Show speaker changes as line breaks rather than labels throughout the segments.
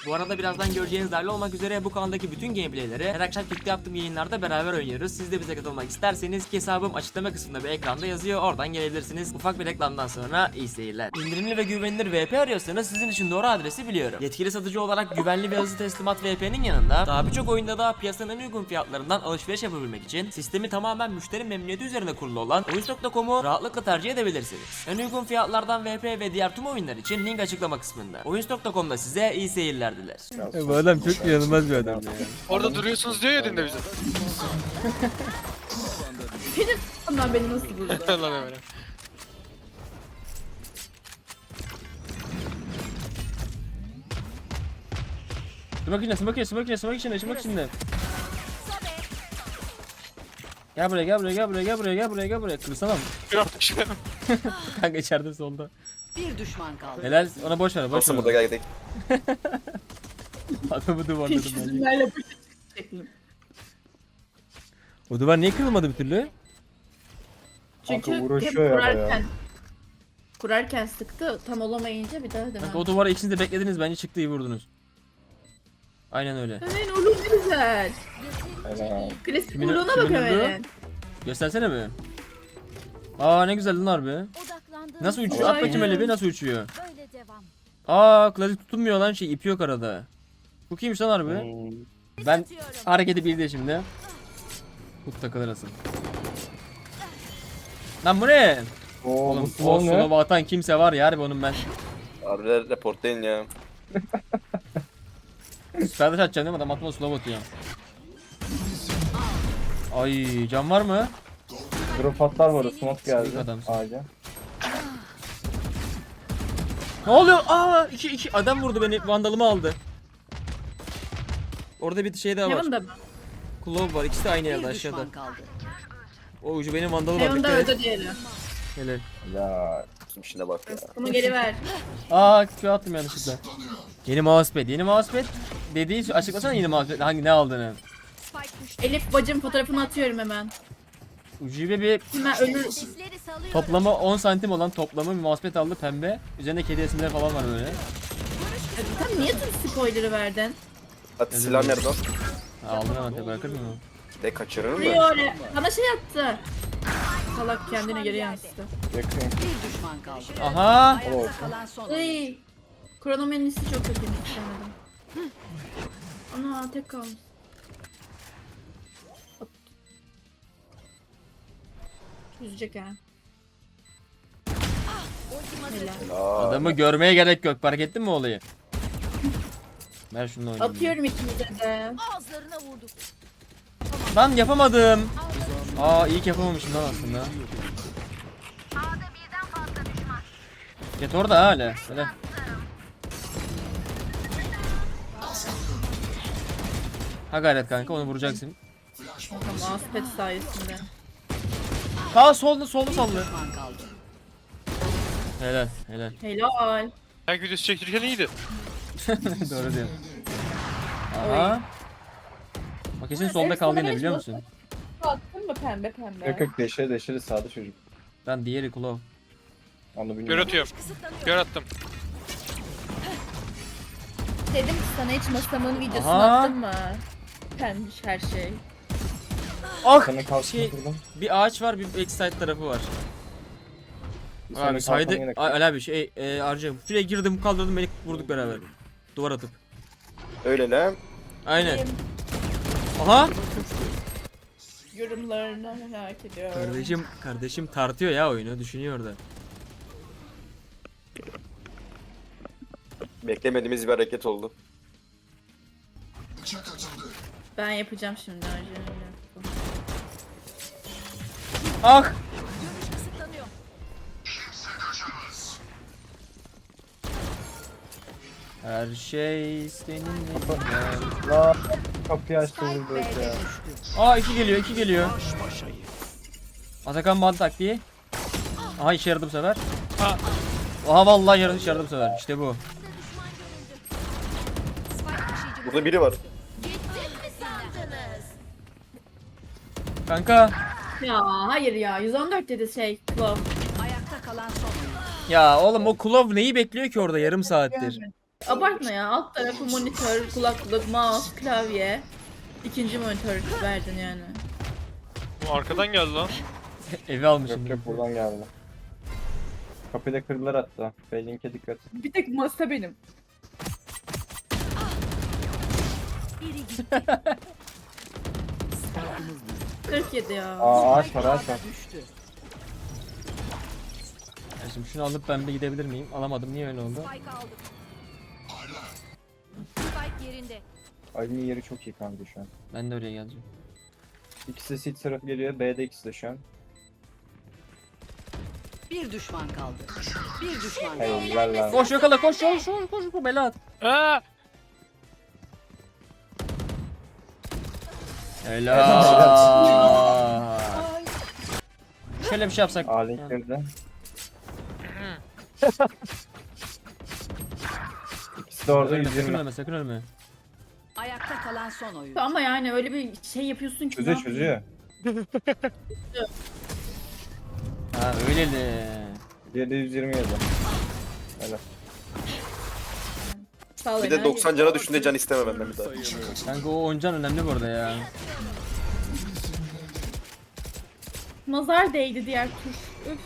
Bu arada birazdan göreceğiniz dahil olmak üzere bu kanaldaki bütün gameplayleri her akşam Kick'te yaptığım yayınlarda beraber oynuyoruz. Siz de bize katılmak isterseniz ki hesabım açıklama kısmında bir ekranda yazıyor. Oradan gelebilirsiniz. Ufak bir reklamdan sonra iyi seyirler. İndirimli ve güvenilir VP arıyorsanız sizin için doğru adresi biliyorum. Yetkili satıcı olarak güvenli ve hızlı teslimat VP'nin yanında daha birçok oyunda da piyasanın en uygun fiyatlarından alışveriş yapabilmek için sistemi tamamen müşteri memnuniyeti üzerine kurulu olan Oyuncu.com'u rahatlıkla tercih edebilirsiniz. En uygun fiyatlardan VP ve diğer tüm oyunlar için link açıklama kısmında. Oyuncu.com'da size iyi seyirler diler.
Bu adam çok inanılmaz bir adam ya.
Orada duruyorsunuz diyor ya dinde bize.
Benim onlar beni nasıl buldu?
Lan hemen.
Smoke içinde. Gel buraya. Kırsana mı?
Yok düşmedim.
Kanka içeride solda.
Bir düşman kaldı.
Helal, ona boş ver.
Nasıl burada geldik?
Adamı duvarladım ben.
Çizimlerle bu şeklim.
O duvar niye kırılmadı bir türlü?
Çünkü hep
uğraşıyor ya
kurarken sıktı. Tam olamayınca bir daha
Kanka
demem.
o duvara ikiniz de beklediniz, bence çıktı, iyi vurdunuz. Aynen öyle.
Hemen oğlum ne güzel. Klasik
Kimin-
vurduğuna bak
kimin
hemen.
vurdu? Göstersene bir. Aa ne güzel lan harbi. Nasıl uçuyor? At bakayım öyle bir, nasıl uçuyor?
Böyle devam.
Aa klasik tutunmuyor lan, şey ipi yok arada. Bu kimmiş lan harbi? Ben hareketi bildi şimdi. Tut takılır asıl. Lan bu ne? Oğlum o slow'a atan kimse var ya harbi onun ben.
Abiler reportlayın ya.
Süperdaş atacağım değil mi? Adam atma slow atıyor. Ay can var mı?
Drop patlar var, smoke
Sıkıntı
geldi
adamsın.
ağaca.
Ne oluyor? Aa iki adam vurdu beni, vandalımı aldı. Orada bir şey daha var.
Heaven'da mı?
Klov var, ikisi de aynı yerde
Bir
aşağıda.
düşman kaldı.
O ucu benim vandalı var.
Heaven'da
Dikkat et.
öldü diğeri.
Helal.
Ya
Bizim işine bak ya.
Bunu geri ver.
Aa Q attım yanlışlıkla. Yeni mousepad dediği açıklasana yeni mousepad hangi ne aldığını.
Elif bacım fotoğrafını atıyorum hemen.
Ucube bir
Hemen ölür.
İşleri salıyorum.
toplamı 10 santim olan toplamı bir mousepad aldı, pembe. Üzerinde kedi resimleri falan var böyle.
Sen niye tüm spoiler'ı verdin?
Hadi silah nerede o?
Aldım hemen tabi, bırakır mı?
De kaçırır mı?
Vuruyor öyle. Bana şey attı. Salak kendine geri yansıttı.
yakın.
Bir düşman kaldı.
Aha!
Ayakta kalan son oyuncu.
Ay. Kronomenisi çok kötü istemedim. Ana tek kalmış. Üzecek ha. Helal.
Aa,
Adamı görmeye gerek yok, fark ettin mi olayı? Ver şunu oynayayım.
Atıyorum ikimize de.
Ağızlarına vurduk.
Lan yapamadım. Aa iyi ki yapamamışım lan aslında. Get orada hala. Öyle. Ha gayret kanka, onu vuracaksın.
Mousepad sayesinde.
Aa solda sallı.
Düşman kaldı.
Helal.
Helal.
Ayak videosu çektirirken iyiydi.
Doğru diyorsun. Aha. Bak kesin solda kaldı yine, biliyor musun?
Attın mı pembe pembe?
Yok yok, deşeri sağda çocuk.
Ben diğeri Klov.
Onu
Gör
bilmiyorum.
atıyorum. Gör attım.
Dedim ki sana hiç masamın videosunu
Aha.
attın mı? Pembiş her şey.
Ah!
Senin kalsın
Şey,
kırdım.
bir ağaç var, bir backside tarafı var.
Senin
Abi
kalkanı
saydı.
yine kırdım.
Ali abi şey harcayım. Şuraya girdim, kaldırdım, beni vurduk beraber. Duvar atıp.
öyle lan.
Aynen. Aha!
Yorumlarını merak ediyorum.
Kardeşim tartıyor ya oyunu, düşünüyor da.
Beklemediğimiz bir hareket oldu.
Ben yapacağım şimdi önce.
Ah!
Kısıtlanıyor.
Her şey seninle.
Aa, kapıyı açtı vurdu
B'de
ya.
düştü.
Aa iki geliyor. Atakan band taktiği. Aha işe yaradı bu sefer. Aha vallahi işe yaradı bu sefer. İşte bu.
Burada biri var.
Gittim mi sandınız?
Kanka.
Ya hayır ya 114 dedi şey Claw.
Ayakta kalan son oyuncu.
Ya oğlum o Klov neyi bekliyor ki orada yarım saattir?
Abartma ya. Alt tarafı monitör, kulaklık, mouse, klavye. İkinci monitör verdin yani.
Bu arkadan geldi lan.
Evi almışım.
Yok yok buradan geldi. Kapıyı da kırdılar hatta. Beylink'e dikkat.
Bir tek masa benim.
Biri gitti.
47 ya.
Aa ağaç var ağaç var.
Düştü.
Ya şimdi şunu alıp ben bir gidebilir miyim? Alamadım. Niye öyle oldu?
Spike aldım. Spike yerinde.
Ali'nin yeri çok iyi kanka şu an.
Ben de oraya geleceğim.
İkisi sit tarafı geliyor. B'de ikisi de şu an.
Bir düşman kaldı. Bir düşman kaldı.
Helal lan.
Koş yakala koş koş koş koş bu bela at.
Aa!
Helal. Şöyle bir şey yapsak.
A-Link kırdı. İkisi de orada
Ölme, sakın
120.
ölme sakın ölme.
Ayakta kalan son oyun.
Ama yani öyle bir şey yapıyorsun ki.
Çözüyor çözüyor.
Ha öyle de.
Diğeri de 120 yazdı. Helal.
Sağ ol
Bir de
enerji.
90 cana düşünce can isteme benden bir daha.
Kanka o oyuncan önemli bu arada ya.
Nazar değdi diğer tuş. Üf.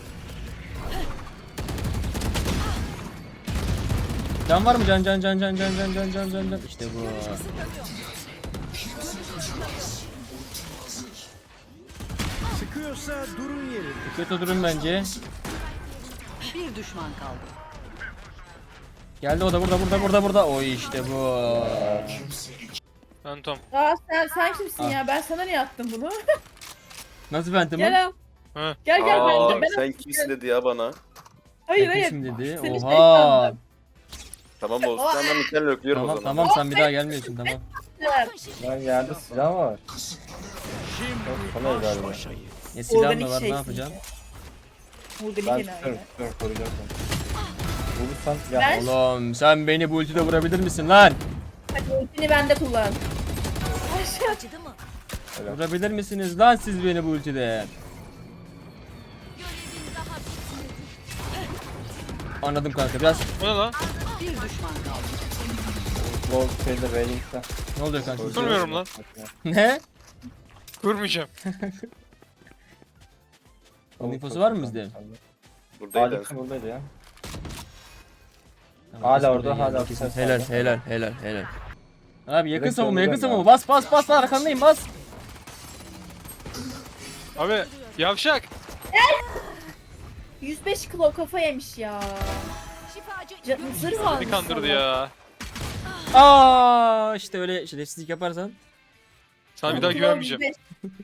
Can var mı? Can. İşte bu.
Sıkıyorsa durun yeri.
Kötü durun bence.
Bir düşman kaldı.
Geldi o da burada. Oy işte bu.
Phantom.
Aa sen kimsin ya? Ben sana niye attım bunu?
Nasıl Phantom?
Gel al.
Ha.
Gel gel
Aa,
ben
sen kimsin dedi ya bana.
Hayır hayır.
Kim dedi?
Seni şey
Oha.
sandım.
Tamam olsun. Ben mükemmel öklüyorum o
Tamam
zaman.
tamam sen bir daha gelmiyorsun tamam.
Lan yerde silah mı var? Çok kolay galiba.
Ne silah mı
Organik
var ne
şeysin
yapacaksın?
Burada bir
Ben
kenarı.
tutuyorum koruyacağım seni. Vurursan ya.
Ben-
Oğlum sen beni bu ultide vurabilir misin lan?
Hadi ultini bende kullan.
Acıdı mı?
Vurabilir misiniz lan siz beni bu ultide?
Görevin daha bitmedi.
Anladım kanka biraz.
Bu ne lan?
Bir düşman kaldı.
Low şeyde Beylink'te.
Ne oluyor kanka?
Durmuyorum lan.
Ne?
Durmayacağım.
Onun infosu var mı bizde?
Buradaydı.
Alex buradaydı ya.
Tamam,
Hala
kesin
orada,
buraya
hala
geldi, kesin.
orada.
Helal. Abi yakın
Direkt
savunma
öldürüyorum
bas arkandayım bas.
Abi yavşak.
105 kilo kafa yemiş ya.
Şifacı.
Zırh almış
Bir kandırdı
sana.
ya.
Aa işte öyle şerefsizlik yaparsan.
Sana bir daha
Kilo
güvenmeyeceğim.
105.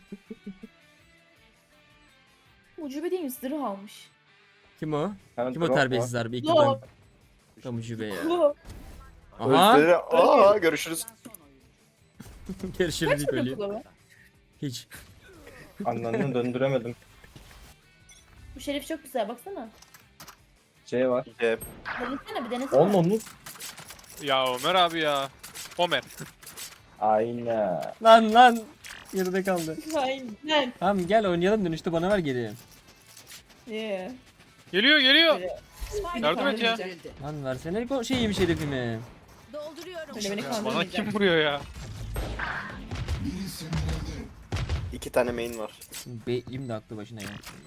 Ucube değil mi? Zırh almış.
Kim o?
Hemen
Kim o
drop
terbiyesiz
var.
harbi ilk
Lo.
yıldan. Kamucu be ya.
Kilo.
Aha.
Özleri, aa görüşürüz.
Görüşürüz
Kaç
ilk
kilo
öleyim.
kilo?
Hiç.
Anlamını döndüremedim.
Bu şerif çok güzel baksana.
C var.
Denesene bir denesene.
Onun.
Ya Ömer abi ya. Ömer.
Aynen.
Lan geride kaldı.
Aynen.
Tamam gel oynayalım dönüşte bana ver geri.
Yeah.
Geliyor.
Spike
Yardım et ya.
yerleştirildi.
Lan versene şeyi şerifimi.
Dolduruyorum.
Öyle beni
Bana
kandırmayacak.
kim vuruyor ya?
2 tane main var.
Beyim de aklı başına ya.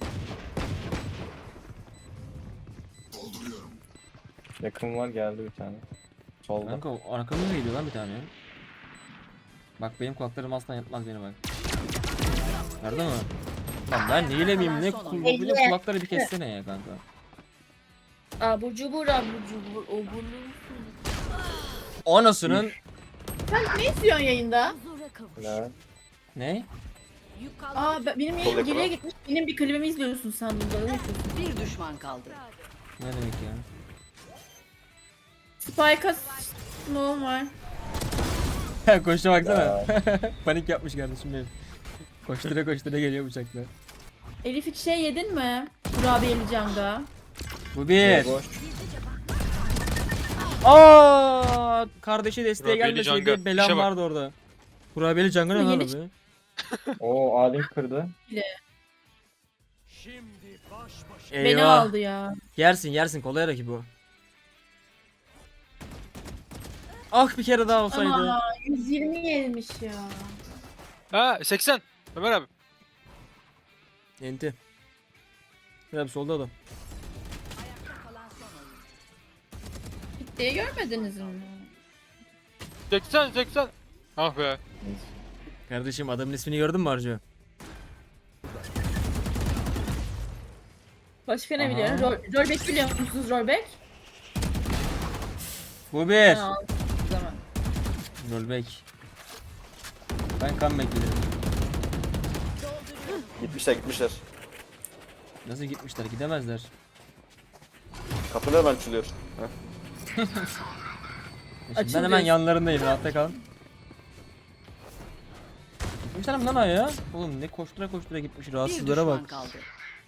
Yakın var geldi bir tane. Solda.
Kanka arkamda geliyor lan bir tane. Bak benim kulaklarım asla yatmaz beni bak. Nerede mi? Lan ben neyle miyim ne bu kulakları bir kessene ya kanka.
Abur cubur obur.
Anasının
Sen ne istiyorsun yayında?
Huzura kavuş.
Helal.
ne?
Yük kaldı.
Benim
Sol
yayın
yakala.
geriye gitmiş. Benim bir klibimi izliyorsun sandım. Böyle yapıyorsun.
Bir düşman kaldı.
Ne demek ya?
Spike'a smoke'um var.
Koştu baksana. Panik yapmış kardeşim benim. Koştura geliyor bıçakla.
Elif hiç şey yedin mi? Kurabiyeli canga.
Bu bir.
Boş.
Aa, kardeşi desteğe
Kurabiyeli
gelmeseydi
Canga.
belam
İşe bak.
vardı orada. Kurabiyeli Canga ne
Bu
lan
yeni
abi?
Oo A-Link kırdı.
Şimdi baş başa.
Beni
Eyvah.
aldı ya.
Yersin kolay rakip bu. Ah bir kere daha olsaydı.
Ama 120 yemiş ya.
Ha 80. Ömer abi.
Enti. Şuraya bir solda adam.
Diye görmediniz mi?
80 80. Ah be.
Kardeşim adamın ismini gördün mü Arcu?
Başka ne
Aha.
biliyorum? Rollback biliyor musunuz rollback?
Bu bir.
Ha, o zaman.
Rollback. Ben comeback giderim.
Gitmişler.
Nasıl gitmişler? Gidemezler.
Kapı nereden açılıyor? Heh.
Şimdi ben
Açıl
hemen
diyorsun.
yanlarındayım. Rahatta kal. Gitmişler mi lan ya? Oğlum ne koştura koştura gitmiş.
Bir
Rahatsızlara
düşman
bak.
kaldı.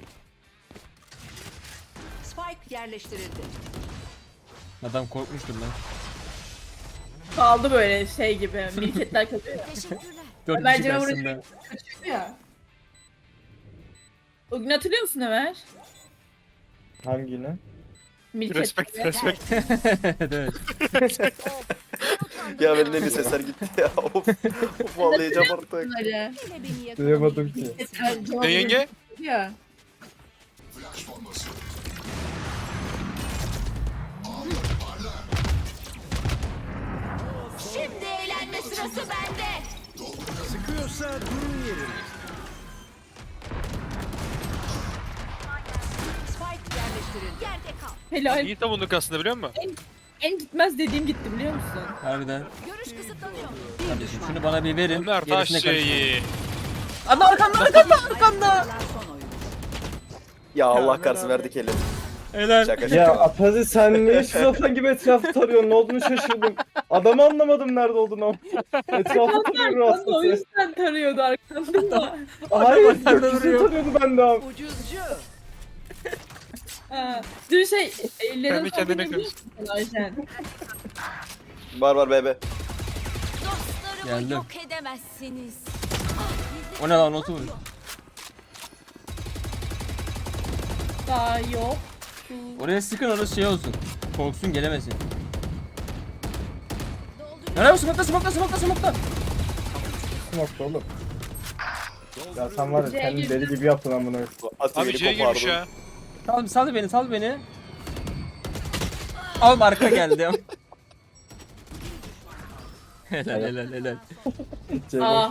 Spike yerleştirildi.
Adam korkmuştur lan.
Kaldı böyle şey gibi. Milketler kalıyor ya.
Teşekkürler.
4
Bence
kişi
ben
karşısında.
Kaçıyordu ya. O gün hatırlıyor musun Ömer?
Hangini?
Milket.
Respect respect.
Evet.
Ya benim de bir sesler gitti ya. Of. Of ağlayacağım artık.
Bunları.
Yine beni
Duyamadım ki.
yakalamayı
Ne yenge?
Ya.
Şimdi eğlenme sırası bende.
Spike yerleştirildi.
Yerde kal.
Helal.
İyi savunduk aslında biliyor musun?
En gitmez dediğim gitti biliyor musun?
Harbiden.
Görüş kısıtlanıyor.
Bir
Kardeşim
düşman.
şunu bana bir verin.
Ömer taş
Gerisine karışmayın.
şeyi.
Adam arkamda arkamda arkamda.
Kalan son oyun.
Ya Allah kahretsin verdik eli.
Helal.
Şaka
Ya
şaka.
Apazi sen niye şizofren gibi etrafı tarıyorsun? Ne olduğunu şaşırdım. Adamı anlamadım nerede olduğunu. Etrafı tarıyor
Ben de o
aslında.
yüzden tarıyordu arkamda.
Hayır,
nerede
gökyüzünü
duruyor?
tarıyordu ben de abi.
Ucuzcu.
Ha. Dün şey, ellerin
Kendi kendine
sohbet ediyor musun Ayşen?
Var bebe.
Dostlarımı
Geldim.
yok edemezsiniz.
O ne lan notu vur.
Daha yok.
Oraya sıkın orası şey olsun. Korksun gelemesin.
Dolduruyorum.
Nereye bu smoke'ta smoke'ta smoke'ta smoke'ta.
Nokta oğlum. Ya sen var ya
C'ye
kendini
girdim.
deli gibi yaptın amına.
Atı
Abi
beni
C'ye girmiş
kopardı.
ya.
Sal beni sal beni. Al arka geldi. helal helal helal.
Aa,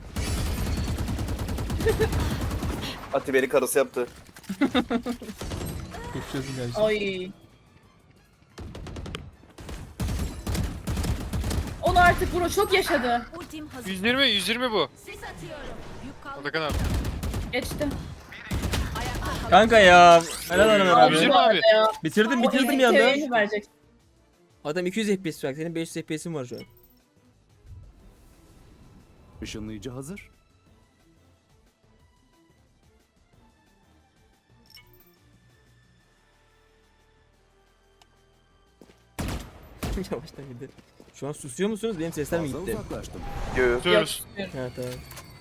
Atı beni karısı yaptı.
Geçiyorsun kardeşim.
ay. Onu artık Bro çok yaşadı.
Ultim hazır.
120 bu.
Sis atıyorum. Yük kaldı.
Atakan abi.
Geçti.
Kanka ya. Helal Ömer abi.
120 abi.
Ya.
Bitirdim
O
bir
ilk
anda.
seviyeni verecek.
Adam 200 FPS var. Senin 500 FPS'in var şu an.
Işınlayıcı hazır.
Yavaştan gidelim. Şu an susuyor musunuz? Benim sesler mi
Fazla
gitti?
uzaklaştım.
Göğü.
Tutuyoruz.
Ha tamam.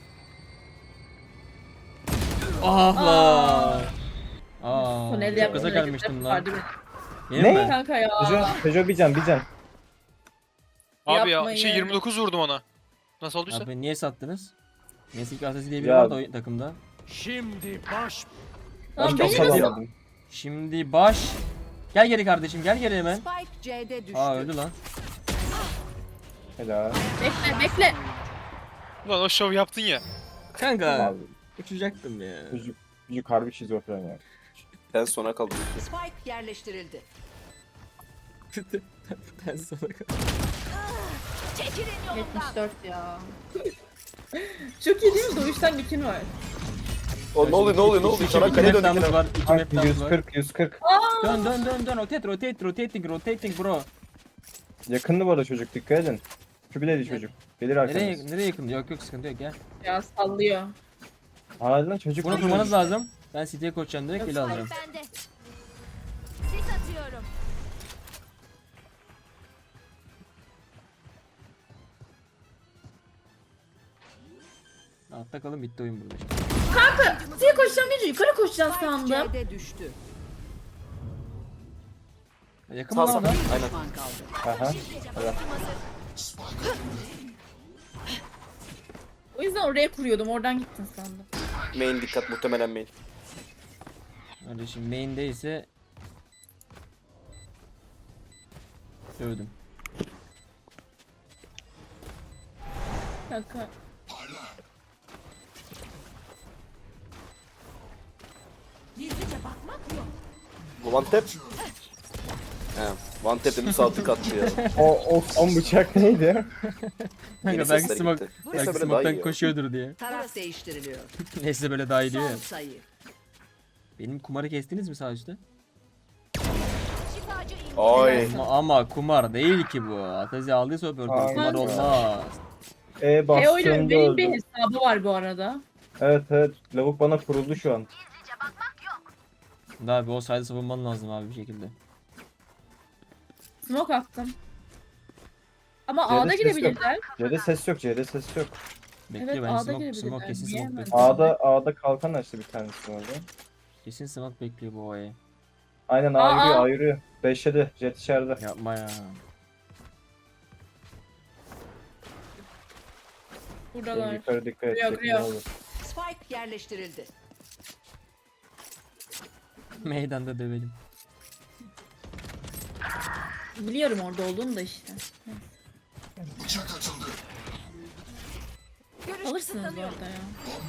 Ah lan. Aa,
Son elde
çok
yaptığın
gaza
hareketler
gelmiştim lan.
vardı benim.
Benim
Ne?
mi?
Kanka ya.
Peugeot bir can bir can.
Abi ya
Yapmayın.
29 vurdum ona. Nasıl olduysa?
Abi niye sattınız? Neyse ki Asasi diye biri
Ya.
var da o takımda.
Şimdi baş
Lan
Başka
beni
asal
nasıl...
almadım.
Şimdi baş. Gel geri kardeşim gel geri hemen.
Spike C'de düştü.
Aa öldü lan.
Helal.
Bekle bekle.
Ulan o şov yaptın ya.
Kanka
Abi
uçacaktım ya.
çocuk harbi şizofren ya.
Ben sona kaldım.
Spike yerleştirildi.
Ben sonra
Çekilin yolumdan.
74 ya. Çok iyi değil mi? Doğuştan nikin var.
O ne oluyor? Çanakkale'ye döndük yine.
var. 2
Kanka
map'tamız var.
140.
Dön rotating bro.
Yakındı bu arada çocuk dikkat edin. Kübileli çocuk. Gelir arkamız.
Nereye yakın? Yok sıkıntı yok gel.
Ya sallıyor.
Hadi lan çocuk.
Bunu kurmanız lazım. Ben City'ye koşacağım direkt ele alacağım.
Bende. Sis atıyorum.
Altta kalın bitti oyun burada işte.
Size koşacağım deyince yukarı koşacağım
Spike
sandım.
C'de düştü.
Yakın
Sağ
mı
sağ.
lan adam?
Aynen.
Düşman kaldı.
Aha.
O yüzden oraya kuruyordum. Oradan gittin sandım.
Main dikkat, muhtemelen main.
Kardeşim main'deyse dövdüm.
Kanka.
One tap. He. One tap dedim, sağ tık attı ya.
O son bıçak neydi?
Yeni
Kanka belki
sesler
smoke,
gitti.
belki
Neyse böyle daha
smoke'tan
iyi ya.
koşuyordur diye.
Taraf değiştiriliyor.
Neyse böyle daha iyi diyor
Son
ya.
sayı.
Benim kumarı kestiniz mi sağ üstte?
Şifacı indi.
Ay.
Ama kumar değil ki bu. Atazi aldıysa operatör
Aynen.
kumar olmaz.
Teo'yla
Bastığımda
benim bir
öldüm.
hesabı var bu arada.
Evet evet. Lavuk bana kuruldu şu an.
Daha bir o sayede savunman lazım abi bir şekilde.
Smoke attım. Ama
C'de
A'da
ses
girebilirler.
C'de ses yok. C'de ses yok.
Bekle
Evet,
ben
A'da
smoke
girebilirler.
kesin
Niye
smoke
hemen?
bekliyor.
A'da kalkan açtı bir tanesi orada.
Kesin smoke bekliyor bu O'ya.
Aynen
Aa,
A yürüyor
aa.
A yürüyor. 5'e jet içeride.
Yapma ya.
Buradalar.
Yukarı dikkat et.
Kırıyor,
Jet
kırıyor.
ne olur.
Spike yerleştirildi.
Meydanda dövelim.
Biliyorum orada olduğunu da işte.
Görüş
Alırsınız bu
kısıtlanıyor.
arada ya.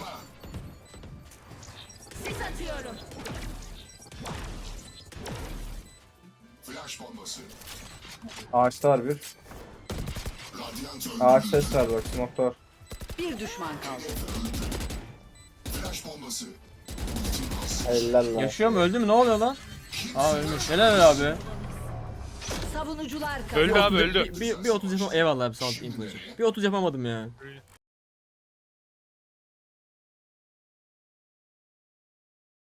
Sis atıyorum.
Ağaçta var bir. Ağaç ses var bak. Smoke var.
Bir düşman kaldı.
Eller lan.
Yaşıyor mu öldü mü ne oluyor lan? Aa ölmüş. Helal abi.
Savunucular kaldı.
Öldü abi öldü.
Bir 30 yapamadım. Eyvallah abi sağ ol info için. Bir 30 yapamadım ya.